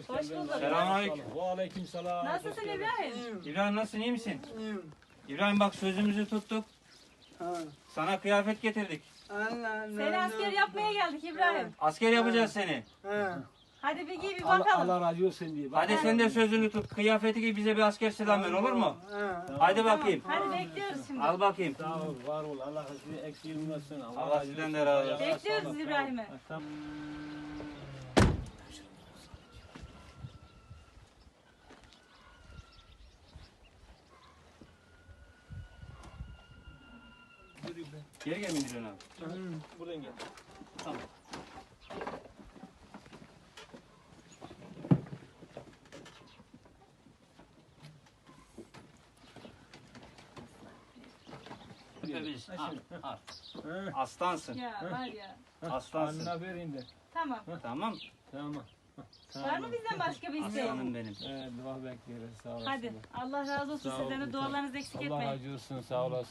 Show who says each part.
Speaker 1: Hoş bulduk.
Speaker 2: Selamünaleyküm.
Speaker 3: Ve aleykümselam.
Speaker 1: Nasılsın İbrahim?
Speaker 2: İbrahim nasılsın, iyi misin?
Speaker 4: İyiyim.
Speaker 2: İbrahim bak sözümüzü tuttuk.
Speaker 4: Ha.
Speaker 2: Sana kıyafet getirdik.
Speaker 4: Allah
Speaker 1: Seni asker yapmaya geldik İbrahim.
Speaker 2: Asker yapacağız seni.
Speaker 4: Ha.
Speaker 1: Hadi bir giy bir
Speaker 3: Allah,
Speaker 1: bakalım.
Speaker 3: Allah razı olsun diye.
Speaker 2: Hadi sen de sözünü tut. Kıyafeti giy, bize bir asker selam ver, olur mu?
Speaker 4: Ha.
Speaker 2: Hadi bakayım.
Speaker 1: Hadi bekliyoruz şimdi.
Speaker 2: Al bakayım.
Speaker 3: Sağ ol, var ol. Allah sizi eksilmesin.
Speaker 2: Allah sizden de razı olsun.
Speaker 1: Bekliyoruz İbrahim'i.
Speaker 3: Tamam.
Speaker 2: Geri gel Müdürün abi.
Speaker 3: Buradan gel.
Speaker 2: Tamam. Öpebilirsin. Al. Aslansın.
Speaker 1: Ya var ya.
Speaker 2: Aslansın.
Speaker 3: Anına verin de.
Speaker 1: Tamam.
Speaker 2: Tamam.
Speaker 3: Tamam.
Speaker 1: Var mı bizden başka bir isteğin?
Speaker 2: Aslanım benim.
Speaker 3: Evet, dua bekliyoruz. Sağ olasın.
Speaker 1: Hadi. Allah razı olsun
Speaker 3: Sağ ol,
Speaker 1: sizden de dualarınızı eksik
Speaker 3: Allah
Speaker 1: etmeyin.
Speaker 3: razı olsun. Sağ olasın.